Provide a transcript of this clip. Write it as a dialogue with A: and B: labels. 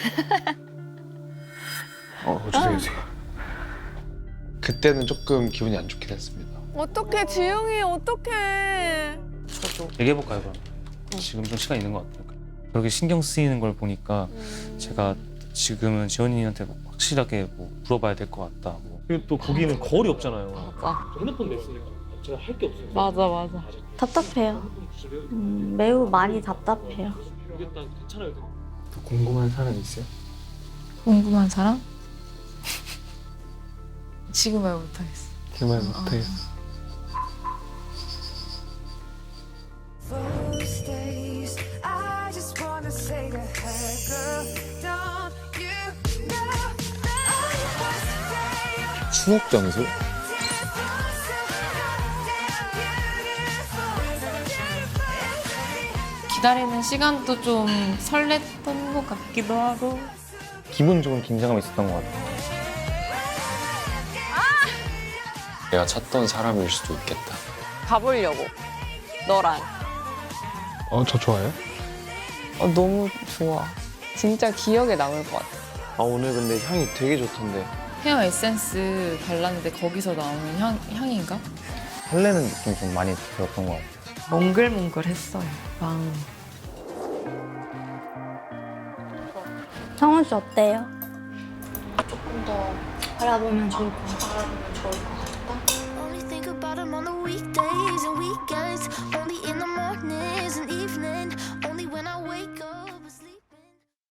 A: 주세요. 그때는 조금 기분이 안 좋긴 했습니다.
B: 어떡해, 지영이 어떡해.
C: 얘기해볼까요, 그럼? 지금 좀 시간 있는 것 같아요. 그렇게 신경 쓰이는 걸 보니까 제가 지금은 지원이한테 확실하게 뭐 물어봐야 될 것 같다. 뭐.
D: 그리고 또 거기는 거울이 없잖아요.
B: 맞아.
D: 저 핸드폰 냈으니까 제가 할 게 없어요.
B: 맞아.
E: 답답해요. 매우 많이 답답해요.
D: 일단 괜찮아요.
A: 또 궁금한 사람 있어요?
F: 궁금한 사람? 지금 말 못하겠어.
A: 그 말 못해요.
G: Those days, I just wanna say to her, girl, don't you know I was there?
A: 추억 장소?
F: 기다리는 시간도 좀 설렜던 것 같기도 하고.
C: 기분 좋은 긴장감이 있었던 것 같아요.
H: 내가 찾던 사람일 수도 있겠다.
B: 가보려고. 너랑.
A: 저 좋아요?
B: 너무 좋아. 진짜 기억에 남을 것 같아.
A: 오늘 근데 향이 되게 좋던데.
F: 헤어 에센스 발랐는데 거기서 나오는 향인가?
C: 설레는 느낌이 좀 많이 들었던 것 같아요.
F: 몽글몽글했어요. 마음.
E: 성훈 씨 어때요? 조금 더 알아보면 좋을 것 같아.
G: Only think about him on the weekdays and weekends. Only in the mornings and evenings.